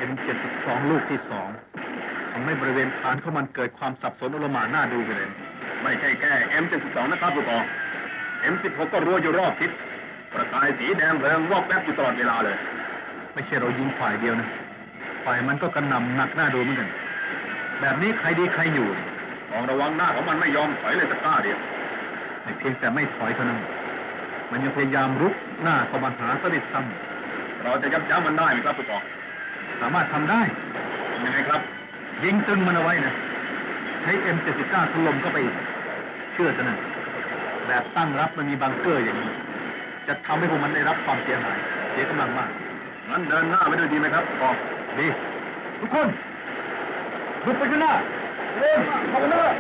M72 ลูกที่2ทำให้บริเวณฐานของมันเกิดความสับสนโอลหม่านน่าดูไปเลยไม่ใช่แค่ M72 นะครับผู้กอง M16 ก็รัวอยู่รอบทิศประกายสีแดงเริงวอกแวบอยู่ตลอดเวลาเลยไม่ใช่เรายิงฝ่ายเดียวนะฝ่ายมันก็กระหน่ำหนักหน้าดูเหมือนกันแบบนี้ใครดีใครอยู่ต้องระวังหน้าของมันไม่ยอมถอยเลยสักก้าวเดียวไม่เพียงแต่ไม่ถอยเท่านั้นมันยังพยายามรุกหน้าเข้ามาหาสนิทซ้ำเราจะยับยั้งมันได้ไหมครับผู้กองสามารถทำได้ยังไงครับยิงตึงมันเอาไว้นะใช้ M79 ถล่มเข้าไปอีกเชื่อจะนะแบบตั้งรับมันมีบังเกอร์อย่างนี้จะทำให้พวกมันได้รับความเสียหายเสียกำลังมากงั้นเดินหน้าไปด้วยดีไหมครับผู้กองดีทุกคนลุกไปข้างหน้าเร็วเข้าไปเลย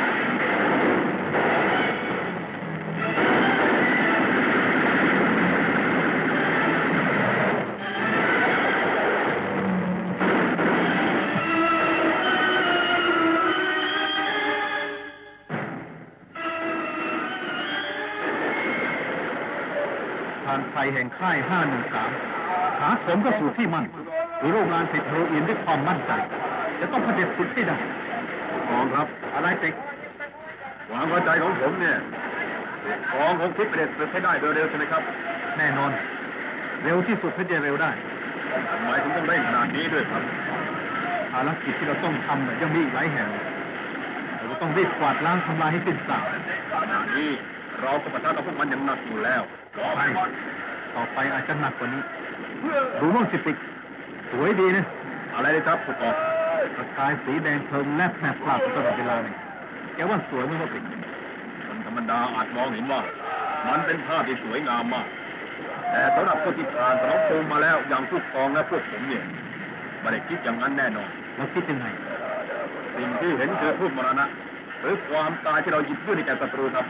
ไฟแห่งค่าย 513 หาโถมเข้าสู่ที่มั่นหรือโรงงานผลิตเฮโรอีนด้วยความมั่นใจจะต้องเผด็จสุดให้ได้กองครับอะไรติ๊กความเข้าใจของผมเนี่ยกองคงคิดเผด็จสุดให้ได้โดยเร็วใช่ไหมครับแน่นอนเร็วที่สุดเพื่อจะเร็วได้ทำไมถึงต้องได้ขนาดนี้ด้วยครับภารกิจที่เราต้องทำยังมีอีกหลายแห่งเราต้องรีบกวาดล้างทำลายให้สิ้นซากขณะนี้เราก็ปะทะกับพวกมันอย่างหนักอยู่แล้วใช่ต่อไปอาจจะหนักกว่านี้ดูมั่งสิติ๊กสวยดีนะอะไรเลยครับผู้กองประกายสีแดงเพลิงแลบแผลบพลาดตลอดเวลาเลยแกว่าสวยไหมว่าติ๊กคนธรรมดาอาจมองเห็นว่ามันเป็นภาพที่สวยงามมากแต่สำหรับคนที่ผ่านสนองภูมิมาแล้วอย่างผู้กองและพวกผมเนี่ยไม่ได้คิดอย่างนั้นแน่นอนเราคิดยังไงสิ่งที่เห็นคือทูตมรณะหรือความตายที่เราหยิบยื่นให้แก่ศัตรูครับ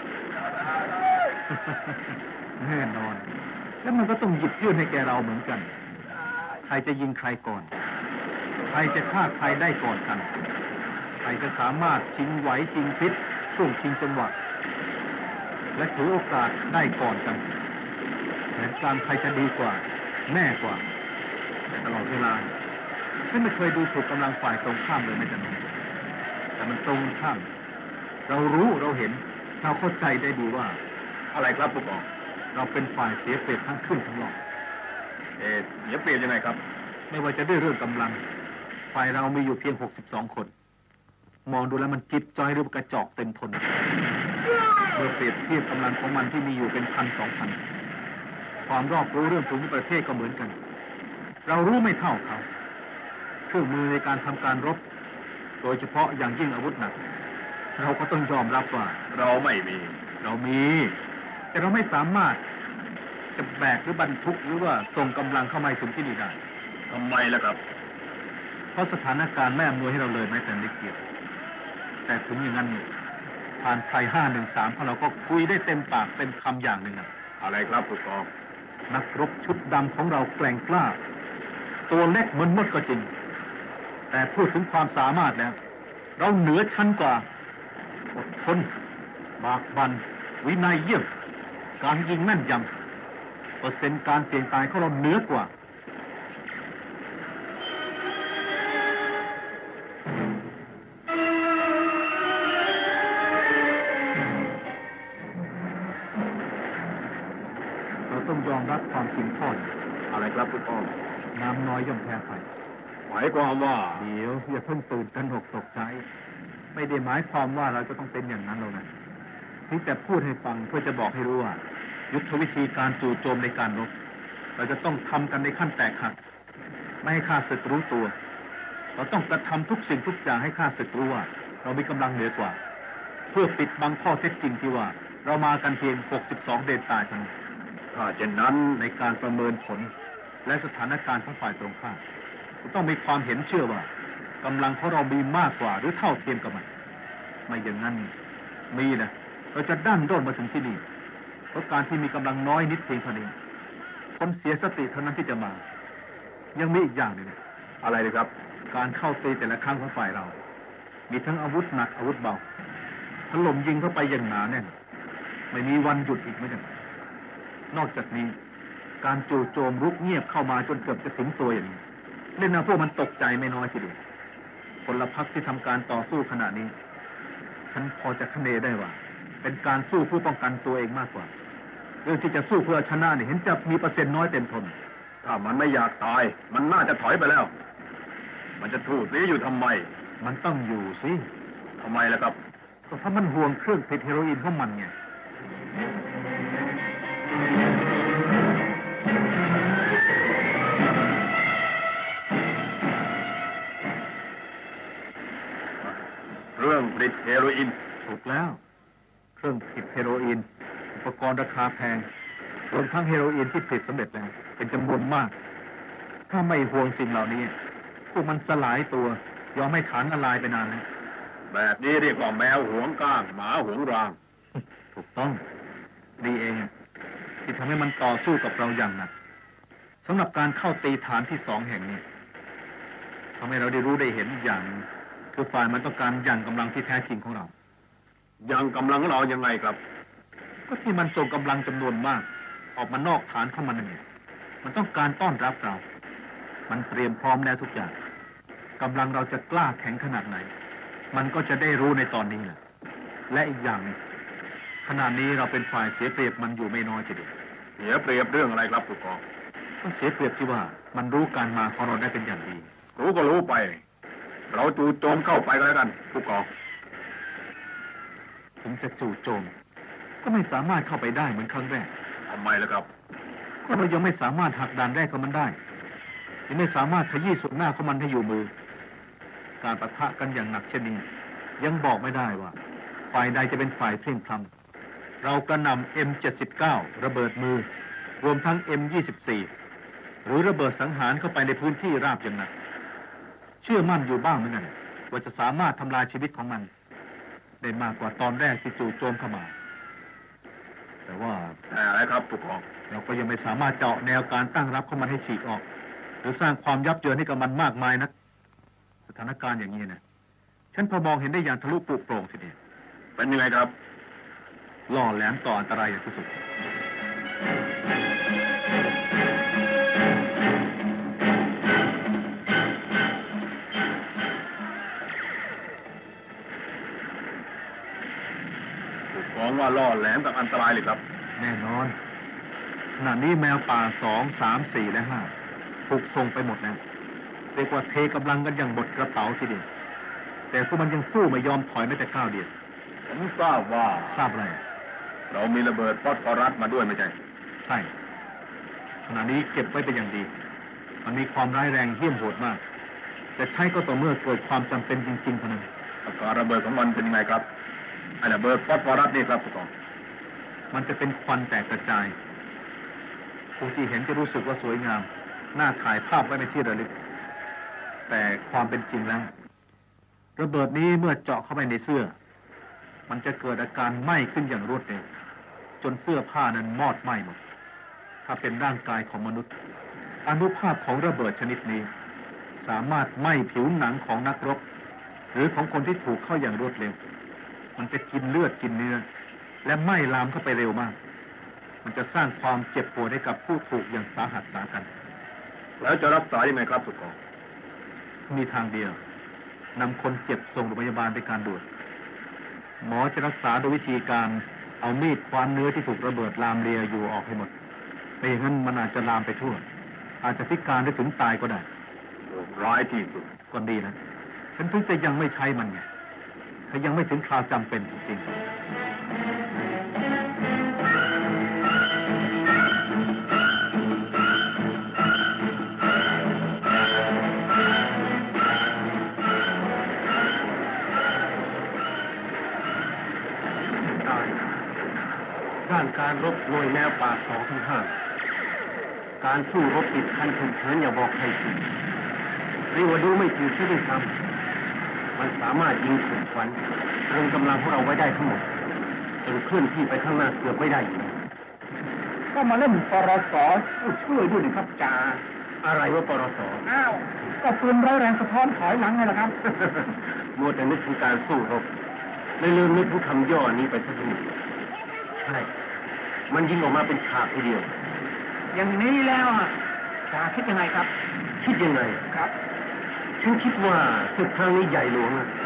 แน่นอนแล้วมันก็ต้องหยิบยื่นให้แกเราเหมือนกันใครจะยิงใครก่อนใครจะฆ่าใครได้ก่อนกันใครจะสามารถชิงไหวชิงพิษช่วงชิงจังหวะและถือโอกาสได้ก่อนกันแผนการใครจะดีกว่าแน่กว่าแต่ตลอดเวลาฉันไม่เคยดูถูกกำลังฝ่ายตรงข้ามเลยแม้แต่น้อยแต่มันตรงข้ามเรารู้เราเห็นเราเข้าใจได้ดีว่าอะไรครับผู้กองเราเป็นฝ่ายเสียเปรียบทั้งขึ้นทั้งล่องเสียเปรียบยังไงครับไม่ว่าจะด้วยเรื่องกำลังฝ่ายเรามีอยู่เพียง62คนมองดูแล้วมันจิ๊บจ้อยหรือกระจอกเต็มทนเมื่อเปรียบเทียบกำลังของมันที่มีอยู่เป็น1,000-2,000ความรอบรู้เรื่องภูมิประเทศก็เหมือนกันเรารู้ไม่เท่าเขาเครื่องมือในการทำการรบโดยเฉพาะอย่างยิ่งอาวุธหนักเราก็ต้องยอมรับว่าเราไม่มีเรามีแต่เราไม่สามารถจะแบกหรือบรรทุกหรือว่าส่งกำลังเข้ามาถึงที่นี่ได้ทำไมล่ะครับเพราะสถานการณ์ไม่อำนวยให้เราเลยแม้แต่นิดเดียวแต่ถึงอย่างนั้นผ่านไทย513พวกเราก็คุยได้เต็มปากเต็มคำอย่างหนึ่งอะไรครับผู้กองนักรบชุดดำของเราแกร่งกล้าตัวเล็กเหมือนมดก็จริงแต่พูดถึงความสามารถแล้วเราเหนือชั้นกว่าอดทนบากบั่นวินัยเยี่ยมการยิงแม่นยำเปอร์เซ็นต์การเสี่ยงตายของเราเหนือกว่าเราต้องยอมรับความจริงข้อนี้อะไรครับคุณพ่อน้ำน้อยย่อมแพ้ไฟหมายความว่าเดี๋ยวอย่าเพิ่งตื่นตระหนกตกใจไม่ได้หมายความว่าเราจะต้องเป็นอย่างนั้นหรอกนะนี่แต่พูดให้ฟังเพื่อจะบอกให้รู้ว่ายุทธวิธีการจู่โจมในการรบเราจะต้องทำกันในขั้นแตกหักไม่ให้ข้าศึกรู้ตัวเราต้องกระทำทุกสิ่งทุกอย่างให้ข้าศึกรู้ว่าเรามีกำลังเหนือกว่าเพื่อปิดบังข้อเท็จจริงที่ว่าเรามากันเพียง62เดนตายเท่านั้นถ้าเช่นนั้นในการประเมินผลและสถานการณ์ของฝ่ายตรงข้ามต้องมีความเห็นเชื่อว่ากำลังของเรามีมากกว่าหรือเท่าเทียมกับมันไม่อย่างนั้นมีนะเราจะดั้นด้นมาถึงที่นี่เพราะการที่มีกำลังน้อยนิดเพียงเท่านี้คนเสียสติเท่านั้นที่จะมายังมีอีกอย่างหนึ่งอะไรเลยครับการเข้าตีแต่ละครั้งของฝ่ายเรามีทั้งอาวุธหนักอาวุธเบาถล่มยิงเข้าไปอย่างหนาแน่นไม่มีวันหยุดอีกไม่ได้นอกจากนี้การจู่โจมรุกเงียบเข้ามาจนเกือบจะถึงตัวอย่างนี้เล่นเอาพวกมันตกใจไม่น้อยทีเดียวพลพรรคที่ทำการต่อสู้ขณะนี้ฉันพอจะคะเนได้ว่าเป็นการสู้เพื่อป้องกันตัวเองมากกว่าเรื่องที่จะสู้เพื่อชนะเนี่ยเห็นจะมีเปอร์เซ็นต์น้อยเต็มทนถ้ามันไม่อยากตายมันน่าจะถอยไปแล้วมันจะถูกนี้อยู่ทำไมมันต้องอยู่สิทำไมล่ะครับก็เพราะมันห่วงเครื่องผลิตเฮโรอีนของมันไงเครื่องผลิตเฮโรอีนถูกแล้วเครื่องผลิตเฮโรอีนอุปกรณ์ราคาแพงรวมทั้งเฮโรอีนที่ผลิตสำเร็จแล้วเป็นจำนวนมากถ้าไม่ห่วงสิ่งเหล่านี้พวกมันสลายตัวยอมให้ฐานละลายไปนานแล้วแบบนี้เรียกว่าแมวหวงก้างหมาหวงรางถูกต้องดีเองที่ทำให้มันต่อสู้กับเราอย่างหนักสำหรับการเข้าตีฐานที่2แห่งนี้ทำให้เราได้รู้ได้เห็นอย่างคือฝ่ายมันต้องการยั่งกำลังที่แท้จริงของเรายั่งกำลังของเรายังไงครับก็ที่มันส่งกำลังจำนวนมากออกมานอกฐานของมันเนี่ยมันต้องการต้อนรับเรามันเตรียมพร้อมแล้วทุกอย่างกำลังเราจะกล้าแข็งขนาดไหนมันก็จะได้รู้ในตอนนี้แหละและอีกอย่างนึงขณะนี้เราเป็นฝ่ายเสียเปรียบมันอยู่ไม่น้อยทีเดียวเสียเปรียบเรื่องอะไรครับผู้กองก็เสียเปรียบที่ว่ามันรู้การมาของเราได้เป็นอย่างดีรู้ก็รู้ไปเราจู่โจมเข้าไปก็แล้วกันผู้กองถึงจะจู่โจมก็ไม่สามารถเข้าไปได้เหมือนครั้งแรกทำไมล่ะครับก็เรายังไม่สามารถหักด่านแรกของมันได้ยังไม่สามารถขยี้ส่วนหน้าของมันให้อยู่มือการปะทะกันอย่างหนักเช่นนี้ยังบอกไม่ได้ว่าฝ่ายใดจะเป็นฝ่ายเพลียงพล้ำเรากระหน่ำ M79 ระเบิดมือรวมทั้ง M24 หรือระเบิดสังหารเข้าไปในพื้นที่ราบอย่างหนักเชื่อมั่นอยู่บ้างเหมือนกันว่าจะสามารถทำลายชีวิตของมันได้มากกว่าตอนแรกที่จู่โจมเข้ามาแต่ว่าอะไรครับผู้กองเราก็ยังไม่สามารถเจาะแนวการตั้งรับของมันให้ฉีกออกหรือสร้างความยับเยินให้กับมันมากมายนักสถานการณ์อย่างนี้นะฉันพอมองเห็นได้อย่างทะลุปลุกโปร่งทีเดียวเป็นยังไงครับล่อแหลมต่ออันตรายอย่างที่สุดของว่าล่อแหลมกับอันตรายเลยครับแน่นอนขณะนี้แมวป่า2, 3, 4 และ 5ถูกส่งไปหมดแล้วเรียกว่าเทกำลังกันอย่างหมดกระเป๋าทีเดียวแต่พวกมันยังสู้ไม่ยอมถอยแม้แต่ก้าวเดียวผมทราบอะไรเรามีระเบิดฟอสฟอรัสมาด้วยไม่ใช่ใช่ขณะนี้เก็บไว้เป็นอย่างดีมันมีความร้ายแรงเหี้ยมโหดมากแต่ใช้ก็ต่อเมื่อเกิดความจำเป็นจริงๆเท่านั้นอาการระเบิดของมันเป็นยังไงครับไอ้ระเบิดฟอสฟอรัสนี่ครับผู้กองมันจะเป็นควันแตกกระจายผู้ที่เห็นจะรู้สึกว่าสวยงามน่าถ่ายภาพไว้ในที่ระลึกแต่ความเป็นจริงแล้วระเบิดนี้เมื่อเจาะเข้าไปในเสื้อมันจะเกิดอาการไหม้ขึ้นอย่างรวดเร็วจนเสื้อผ้านั้นมอดไหม้หมดถ้าเป็นร่างกายของมนุษย์อานุภาพของระเบิดชนิดนี้สามารถไหม้ผิวหนังของนักรบหรือของคนที่ถูกเข้าอย่างรวดเร็วมันจะกินเลือดกินเนื้อและไหม้ลามเข้าไปเร็วมากมันจะสร้างความเจ็บปวดให้กับผู้ถูกอย่างสาหัสสากันแล้วจะรักษายังไงครับผู้กองมีทางเดียวนำคนเจ็บส่งโรงพยาบาลเป็นการด่วนหมอจะรักษาโดยวิธีการเอามีดคว้านเนื้อที่ถูกระเบิดลามเลียอยู่ออกให้หมดไม่อย่างนั้นมันอาจจะลามไปทั่วอาจจะพิการได้ถึงตายก็ได้ร้ายที่สุดก็ดีนะฉันถึงจะยังไม่ใช้มันไงถ้ายังไม่ถึงคราวจำเป็นจริงๆด้านการรบหน่วยแนวป่า2 ถึง 5การสู้รบติดคันฉุกเฉินอย่าบอกใครสิเรียกว่าดูไม่ถูกที่ได้ทำมันสามารถยิงถูกฝันตรึงกำลังพวกเราไว้ได้ทั้งหมดจนเคลื่อนที่ไปข้างหน้าเกือบไม่ได้อยู่ก็มาเล่นปรสช่วยด้วยนะครับจ่าอะไรว่าปรสอ้าวก็ปืนร้อยแรงสะท้อนถอยหลังไงล่ะครับมัวแต่นึกถึงการสู้รบเลยลืมนึกถึงคำย่อนี้ไปซะทีใช่มันยิงออกมาเป็นฉากทีเดียวอย่างนี้แล้วใคจ่าคิดยังไงครับคิดยังไงครับฉันคิดว่าศึกครั้งนี้ใหญ่หลวงนะ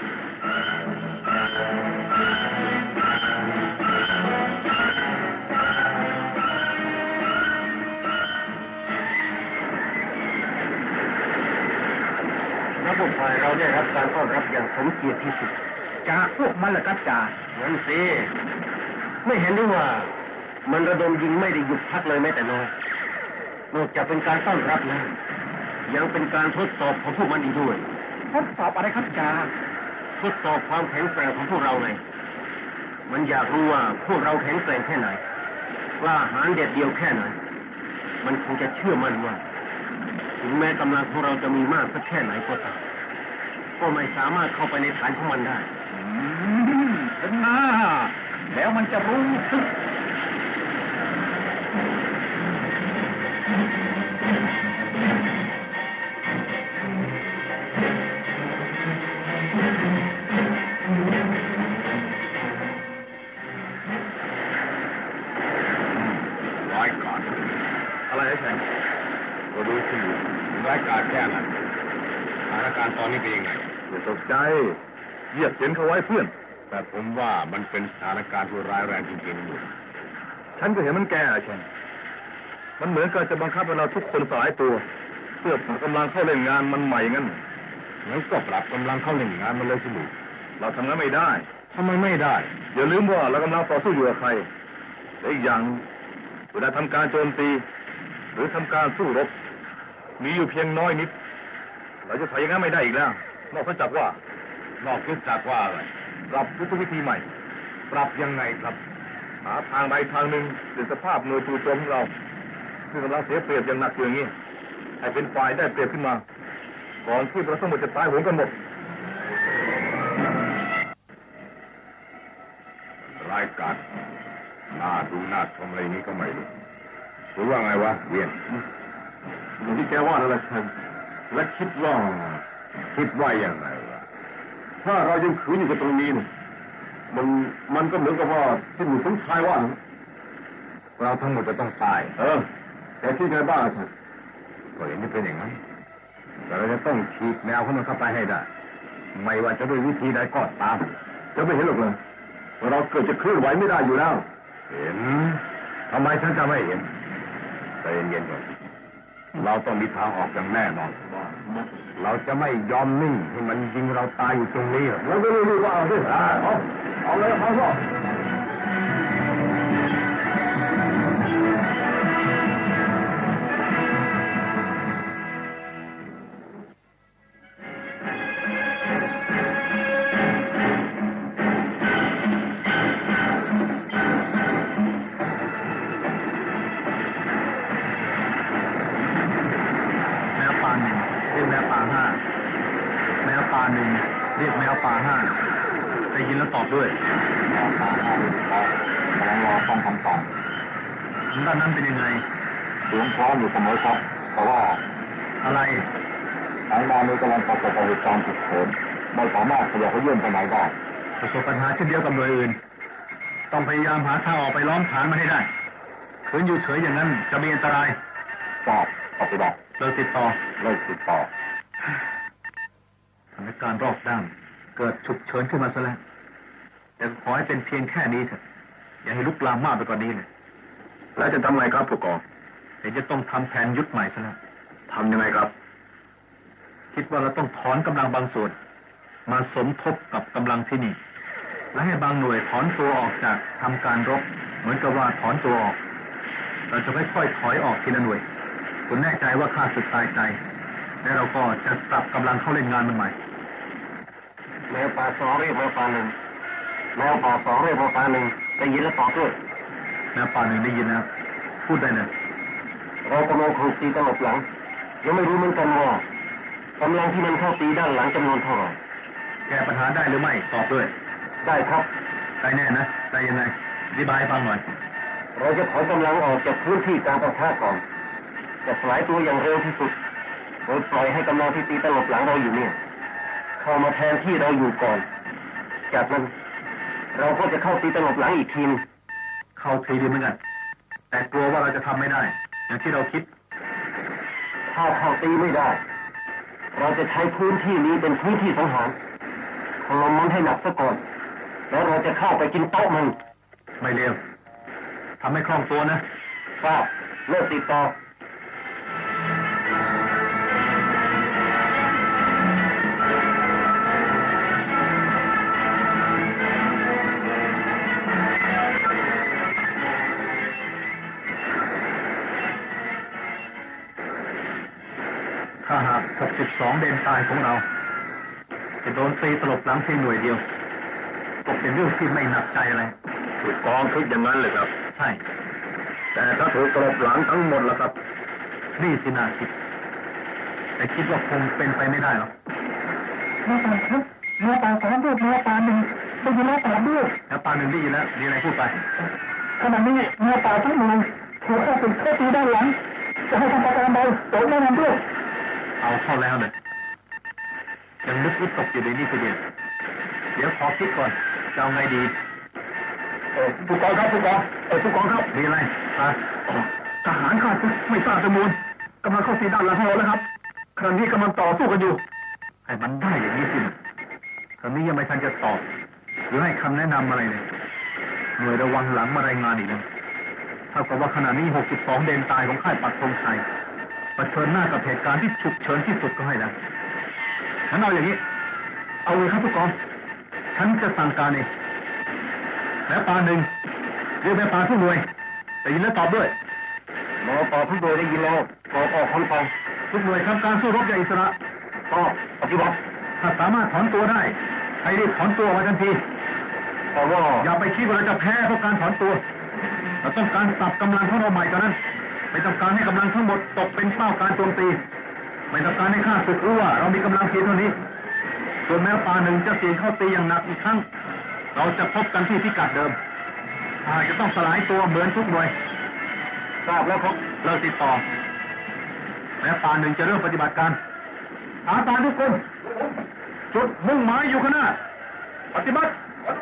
ระบบฝ่ายเราได้รับการต้อนรับอย่างสมเกียรติที่สุดจ่าพวกมันเหรอครับจ่างั้นสิไม่เห็นหรือว่ามันระดมยิงไม่ได้หยุดพักเลยแม้แต่น้อยนอกจากเป็นการต้อนรับแล้วยังเป็นการทดสอบของพวกมันอีกด้วยทดสอบอะไรครับจ่าทดสอบความแข็งแกร่งของพวกเราไงมันอยากรู้ว่าพวกเราแข็งแกร่งแค่ไหนกล้าหาญเด็ดเดียวแค่ไหนมันคงจะเชื่อมั่นว่าถึงแม้กำลังของเราจะมีมากสักแค่ไหนก็ตามก็ไม่สามารถเข้าไปในฐานของมันได้ถึงหน้าแล้วมันจะรู้สึกร้ายกาจอะไรนะแชมป์ก็ดูสิร้ายกาจแค่ไหนสถานการณ์ตอนนี้เป็นยังไงอย่าตกใจเยียบเย็นเขาไว้เพื่อนแต่ผมว่ามันเป็นสถานการณ์ที่ร้ายแรงจริงๆอยู่ฉันก็เห็นมันแก่แชมป์มันเหมือนกับจะบังคับให้เราทุกคนสลายตัวเพื่อผลักกำลังเข้าเล่นงานมันใหม่งั้นงั้นก็ปรับกำลังเข้าเล่นงานมันเลยสิลูกเราทำงั้นไม่ได้ทำไมไม่ได้อย่าลืมว่าเรากำลังต่อสู้อยู่กับใครและอีกอย่างเวลาทำการโจมตีหรือทำการสู้รบมีอยู่เพียงน้อยนิดเราจะถอยอย่างนั้นไม่ได้อีกแล้วนอกจากว่าอะไรปรับยุทธวิธีใหม่ ปรับยังไงครับหาทางใดทางหนึ่งหรือสภาพหน่วยจู่โจมของเราซึ่งกำลังเสียเปรียบอย่างหนักอย่างนี้ให้เป็นฝ่ายได้เปรียบขึ้นมาก่อนที่เราทั้งหมดจะตายโหงกันหมดรายการน่าดูน่าชมอะไรนี้ก็ไม่รู้หรือว่าไงวะเวียนอย่างที่แกว่านั่นแหละฉันและคิดว่ายังไงวะถ้าเรายังขืนอยู่กับตรงนี้เนี่ยมันก็เหมือนกับว่าที่หมู่สมชายว่านะเราทั้งหมดจะต้องตายแต่คิดไงบ้างฉันก็เห็นที่เป็นอย่างนั้นแต่เราจะต้องฉีกแนวของมันเข้าไปให้ได้ไม่ว่าจะด้วยวิธีใดก็ตามจะไม่เห็นหรอกเลยเราเกิดจะเคลื่อนไหวไม่ได้อยู่แล้วเห็นทำไมฉันจะไม่เห็นใจเย็นๆก่อนเราต้องมีทางออกอย่างแน่นอนเราจะไม่ยอมนิ่งให้มันยิงเราตายอยู่ตรงนี้เราก็รู้ว่าเอาดิเอาเลยเอาก็เรียกแมวป่าห้าได้ยินแล้วตอบด้วยกำลังรอฟังคำตอบด้านนั้นเป็นยังไงเสียงพร้อมอยู่เสมอครับแต่ว่าอะไรทางด้านนี้กำลังประสบเหตุการณ์ฉุกเฉินไม่สามารถขยับเขยื่นไปไหนได้ประสบปัญหาเช่นเดียวกับหน่วยอื่นต้องพยายามหาทางออกไปล้อมฐานมันให้ได้ขืนอยู่เฉยอย่างนั้นจะมีอันตรายทราบปฏิบัติเลิกติดต่อสถานการณ์รอบด้านเกิดฉุกเฉินขึ้นมาซะแล้วแต่ขอให้เป็นเพียงแค่นี้เถอะอย่าให้ลุกลามมากไปกว่านี้เลยแล้วจะทำไงครับผู้กองเดี๋ยวจะต้องทำแผนยุทธใหม่ซะแล้วทำยังไงครับคิดว่าเราต้องถอนกำลังบางส่วนมาสมทบกับกำลังที่นี่และให้บางหน่วยถอนตัวออกจากทำการรบเหมือนกับว่าถอนตัวออกเราจะค่อยๆถอยออกทีละหน่วยจนแน่ใจว่าข้าศึกตายใจแล้วเราก็จะปรับกำลังเข้าเล่นงานมันใหม่แมวป่าสองเรียกแมวป่าหนึ่งแมวป่าสองเรียกแมวป่าหนึ่งได้ยินแล้วตอบด้วยแมวป่าหนึ่งได้ยินแล้วพูดได้เลยเรากำลังถูกตีตลบหลังยังไม่รู้เหมือนกันว่ากำลังที่มันเข้าตีด้านหลังจำนวนเท่าไหร่แก้ปัญหาได้หรือไม่ตอบด้วยได้ครับได้แน่นะได้ยังไงอธิบายฟังหน่อยเราจะถอนกำลังออกจากพื้นที่การปะทะก่อนจะสลายตัวอย่างเร็วที่สุดโดยปล่อยให้กำลังที่ตีตลบหลังเราอยู่เนี่ยเข้ามาแทนที่เราอยู่ก่อนจากนั้นเราก็จะเข้าตีตลบหลังอีกทีเข้าทีดีเหมือนกันแต่กลัวว่าเราจะทำไม่ได้อย่างที่เราคิดถ้าเข้าตีไม่ได้ เราจะใช้พื้นที่นี้เป็นพื้นที่สังหารถล่มมันให้หนักซะก่อนแล้วเราจะเข้าไปกินโต๊ะมันไม่เร็วทำให้คล่องตัวนะทราบเลิกติดต่อถ้าหาก62เดนตายของเราจะโดนตีตลบหลังเพียงหน่วยเดียวก็เป็นเรื่องที่ไม่หนักใจอะไรถูกกองคิดอย่างนั้นเลยครับใช่แต่ถ้าถูกตลบหลังทั้งหมดล่ะครับนี่สินาคิดแต่คิดว่าคงเป็นไปไม่ได้หรอกเนื้อปลาครับเนื้อปลา2ด้วยเนื้อปลา1ได้ยินแล้ว8ด้วยแล้วปาหนึ่งได้ยินแล้วมีอะไรพูดไปขณะนี้เนื้อปลาทั้งหมดถูกข้าศึกเข้าตีด้านหลังจะให้ทำประการใดโปรดแนะนำด้วยเอาเข้าแล้วเลยยังนึกวิตกอยู่ในนี่ทีเดียวเดี๋ยวขอคิดก่อนจะเอาไงดีผู้กองครับผู้กองผู้กองครับมีอะไรอ่ะทหารข้าศึกไม่ทราบจำนวนกำลังเข้าตีด้านหลังของเราแล้วครับขณะนี้กำลังต่อสู้กันอยู่ให้มันได้อย่างนี้สิคราวนี้ยังไม่ทันจะตอบหรือให้คำแนะนำอะไรเลยหน่วยระวังหลังมารายงานอีกแล้วเท่ากับว่าขณะนี้62เดนตายของค่ายปักธงชัยเผชิญหน้ากับเหตุการณ์ที่ฉุกเฉินที่สุดก็ให้ได้ฉันเอาอย่างนี้เอาเลยครับผู้กองฉันจะสั่งการเองแม่ปลาหนึ่งเรียกแม่ปลาทุกหน่วยได้ยินแล้วตอบด้วยหมอต่อทุกโดยได้ยินแล้วขอออกคำสั่งทุกหน่วยทำการสู้รบอย่างอิสระก็ปฏิบัติถ้าสามารถถอนตัวได้ให้รีบถอนตัวมาทันทีแต่ว่าอย่าไปคิดว่าเราจะแพ้เพราะการถอนตัวเราต้องการปรับกำลังของเราใหม่เท่านั้นไม่ต้องการให้กำลังทั้งหมดตกเป็นเป้าการโจมตีไม่ต้องการให้ข้าศึกรู้ว่าเรามีกำลังเพียงเท่านี้ส่วนแม้ปลาหนึ่งจะเสี่ยงเข้าตีอย่างหนักอีกครั้งเราจะพบกันที่พิกัดเดิมอาจจะต้องสลายตัวเหมือนทุกหน่วยทราบแล้วครับเลิกติดต่อแม้ปลาหนึ่งจะเริ่มปฏิบัติการอาตาทุกคนจุดมุ่งหมายอยู่ข้างหน้าปฏิบัติ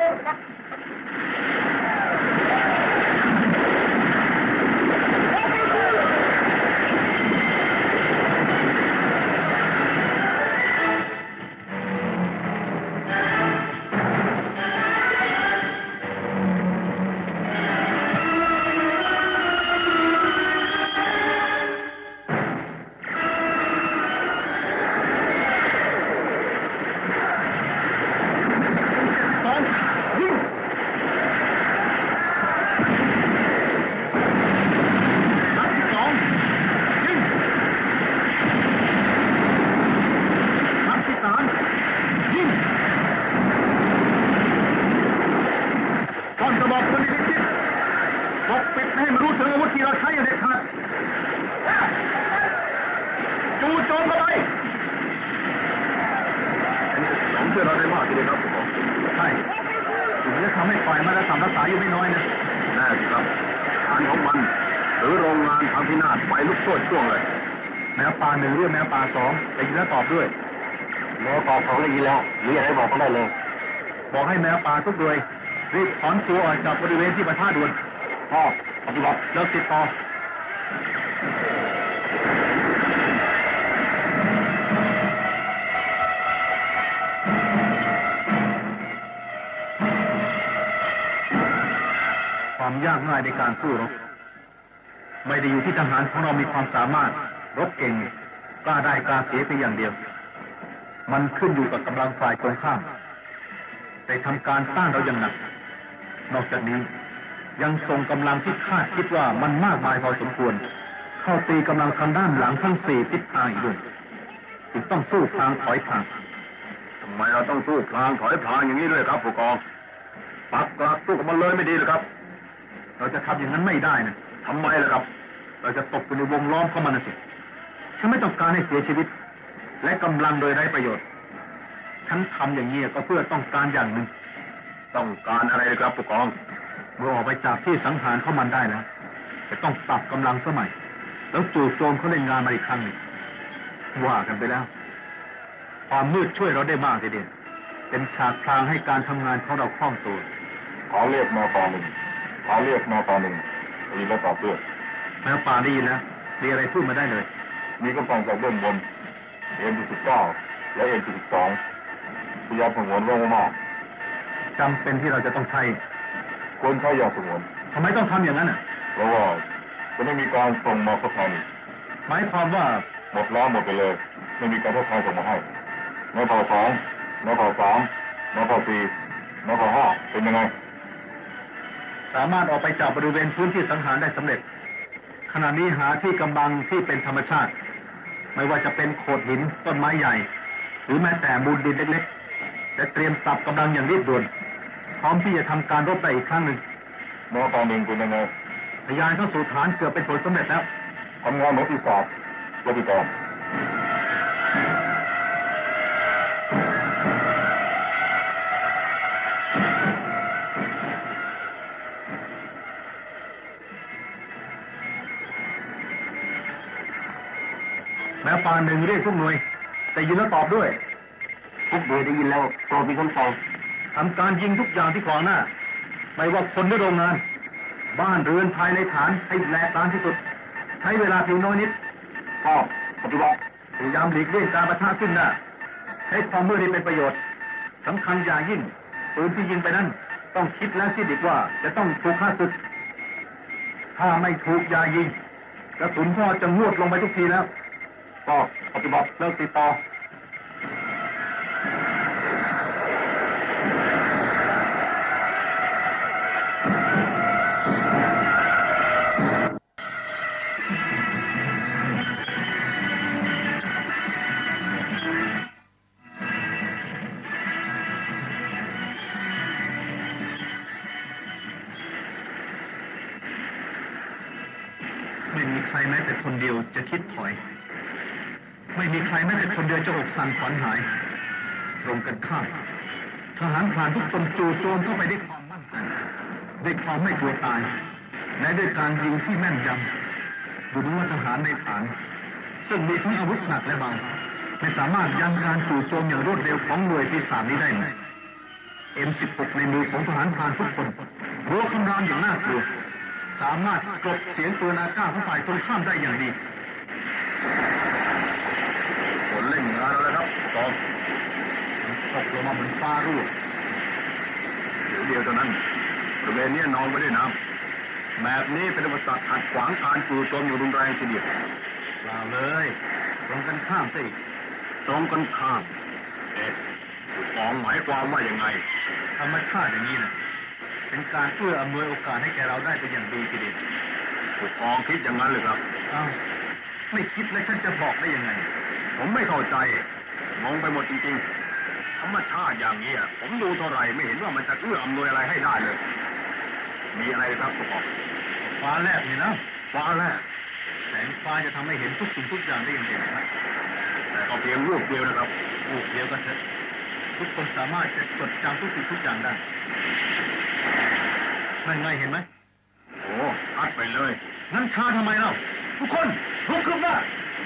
ช่วยเราได้มากทีเดียวครับผมใช่ถึงจะทำให้ฝ่ายมาตรฐานรักษาอยู่ไม่น้อยนะแน่สิครับงานของมันหรือโรงงานทางพินาศไฟลุกโชนช่วงเลยแมวป่าหนึ่งเรื่องแมวป่าสองได้ยินแล้วตอบด้วยหมอต่อ2ได้ยินแล้วมีอะไรบอกก็ได้เลยบอกให้แมวป่าทุกหน่วยรีบถอนตัวออกจากบริเวณที่ปะทะด่วนพ่อปฏิบัติเลิกติดต่อความยากง่ายในการสู้รบไม่ได้อยู่ที่ทหารของเรามีความสามารถรบเก่งกล้าได้กล้าเสียไปอย่างเดียวมันขึ้นอยู่กับกำลังฝ่ายตรงข้ามได้ทำการต้านเราอย่างหนักนอกจากนี้ยังส่งกำลังที่คาดคิดว่ามันมากมายพอสมควรเข้าตีกำลังทางด้านหลังทั้ง4ทิศทางอีกด้วยจึงต้องสู้พลางถอยพลางทำไมเราต้องสู้พลางถอยพลางอย่างนี้ด้วยครับผู้กองปักหลักสู้กับมันเลยไม่ดีหรือครับเราจะทำอย่างนั้นไม่ได้นะทำไมล่ะครับเราจะตกอยู่ในวงล้อมของมันนะสิฉันไม่ต้องการให้เสียชีวิตและกำลังโดยไร้ประโยชน์ฉันทำอย่างนี้ก็เพื่อต้องการอย่างหนึ่งต้องการอะไรครับผู้กองเมื่อออกไปจากที่สังหารของมันได้แล้วจะต้องปรับกำลังสมัยแล้วจู่โจมเขาเล่นงานมาอีกครั้งหนึ่งว่ากันไปแล้วความมืดช่วยเราได้มากทีเดียวเป็นฉากพรางให้การทำงานของเราคล่องตัวขอเรียกนตหนึ่งขอเรียกนตหนึ่งได้ยินแล้วตอบด้วยแมวป่าได้ยินแล้วมีอะไรพูดมาได้เลยมีกำลังจากเบื้องบนM19และ M12พยายามสงวนไว้มากจำเป็นที่เราจะต้องใช้ควรใช้อย่างสงวนทำไมต้องทำอย่างนั้นอ่ะเพราะว่าจะไม่มีการส่งมาทดแทนหมายความว่าหมดแล้วหมดไปเลย ไม่มีการทดแทนส่งมาให้นพ2นพ3นพ4นพ5เป็นยังไงสามารถออกไปจากบริเวณพื้นที่สังหารได้สำเร็จ ขณะนี้หาที่กำบังที่เป็นธรรมชาติ ไม่ว่าจะเป็นโขดหินต้นไม้ใหญ่ หรือแม้แต่มูลดินเล็กๆและเตรียมปรับกำลังอย่างรีบด่วนพร้อมที่จะทำการรบได้อีกครั้งหนึ่งแนวตอนหนึ่งเป็นยังไงทะยานเข้าสู่ฐานเกือบเป็นผลสำเร็จแล้วทำงานเหมือนปีศาจและปีกรแม้ปานหนึ่งเรียกทุกหน่วยแต่ยินแล้วตอบด้วยทุกหน่วยได้ยินแล้วโปรดมีคำสั่งทำการยิงทุกอย่างที่ขวางหน้า ไม่ว่าคนหรือโรงงาน บ้านเรือนภายในฐานให้แหลกลานที่สุด ใช้เวลาเพียงน้อยนิดทราบปฏิบัติพยายามหลีกเลี่ยงการปะทะซึ่งหน้า ใช้ความมืดให้เป็นประโยชน์สำคัญอย่างยิ่งปืนที่ยิงไปนั้นต้องคิดแล้วคิดอีกว่าจะต้องถูกฆ่าศึก ถ้าไม่ถูกอย่ายิงกระสุนพ่อจะงวดลงไปทุกทีแล้วก็ปฏิบัติเลิกติดต่อไม่มีใครแม้แต่คนเดียวจะคิดถอย ไม่มีใครแม้แต่คนเดียวจะอกสั่นขวัญหาย ตรงกันข้ามทหารพรานทุกคนจู่โจมเข้าไปด้วยความมั่นใจด้วยความไม่กลัวตายและด้วยการยิงที่แม่นยำดูเหมือนว่าทหารในฐาน ซึ่งมีทั้งอาวุธหนักและเบาไม่สามารถยั้งการจู่โจมอย่างรวดเร็วของหน่วยปีศาจนี้ได้เลย M16 ในมือของทหารพรานทุกคนรัวคำรามอย่างน่ากลัวสามารถกลบเสียงปืนอากาศของฝ่ายตรงข้ามได้อย่างดีผลเล่นงานแล้วครับตอบตกลงมาบนฟ้ารั่วเดียวเท่านั้นบริเวณนี้นองไปด้วยน้ำแบบนี้เป็นอุปสรรคขัดขวางการจู่โจมอยู่รุนแรงทีเดียวเปล่าเลยตรงกันข้ามสิตรงกันข้ามผู้กองหมายความว่ายังไงธรรมชาติอย่างนี้นะเป็นการเพื่ออำนวยโอกาสให้แกเราได้เป็นอย่างดีทีเดียวผู้กองคิดอย่างนั้นเลยครับอ้าวไม่คิดแล้วฉันจะบอกได้ยังไงผมไม่เข้าใจงงไปหมดจริงๆ ธรรมชาติอย่างนี้ผมดูเท่าไหร่ไม่เห็นว่ามันจะเอื้ออำนวยอะไรให้ได้เลย มีอะไรครับผู้กองฟ้าแลบนี่นะฟ้าแรกแสงฟ้าจะทำให้เห็นทุกสิ่งทุกอย่างได้อย่างเด่นชัดแต่ก็เพียงรูปเดียวนะครับรูปเดียวกันเถอะทุกคนสามารถจะจดจำทุกสิ่งทุกอย่างได้นั่นไงเห็นไหมโอ้ชัดไปเลยงั้นช้าทำไมเล่าทุกคนลุกขึ้นมา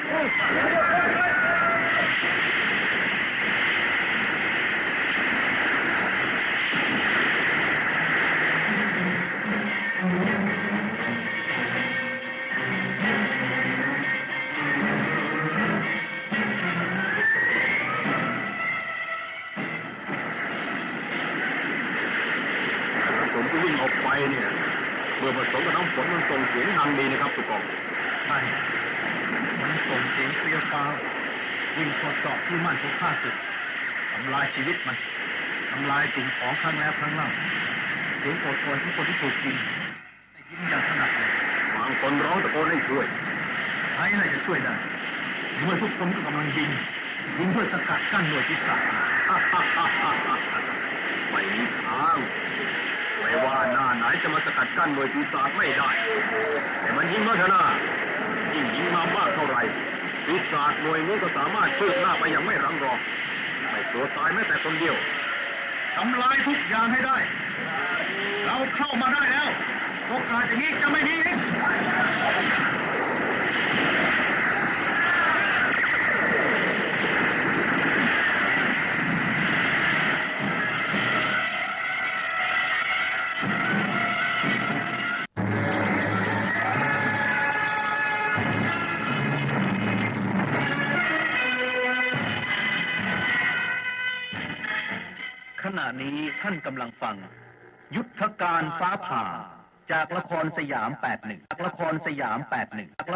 ผมที่วิ่งออกไปเนี่ยเมื่อผสมกับน้ำฝนมันส่งเสียงดังดีนะครับผู้กองใช่ มันส่งเสียงเปรี้ยวฟ้าววิ่งเข้าเจาะที่มั่นของข้าศึกทำลายชีวิตมันทำลายสิ่งของครั้งแล้วครั้งเล่าเสียงโอดโอยของคนที่ถูกยิงได้ยินอย่างถนัดเลยบางคนร้องตะโกนให้ช่วยใครน่าจะช่วยได้เมื่อทุกคนก็กำลังยิงเพื่อสกัดกั้นหน่วยปีศาจไม่มีทางไม่ว่าหน้าไหนจะมาสกัดกั้นหน่วยปีศาจไม่ได้ แต่มันยิงมาเถอะนะยิ่งยิงมามากเท่าไหร่ปีศาจหน่วยนี้ก็สามารถคืบหน้าไปอย่างไม่รังรอไม่ตัวตายแม้แต่คนเดียวทำลายทุกอย่างให้ได้ เราเข้ามาได้แล้วโอกาสอย่างนี้จะไม่มีอีกผณะนี้ท่านกำลังฟังยุทธการฟ้าผ่าจากละครสยาม 81 ละครสยาม 81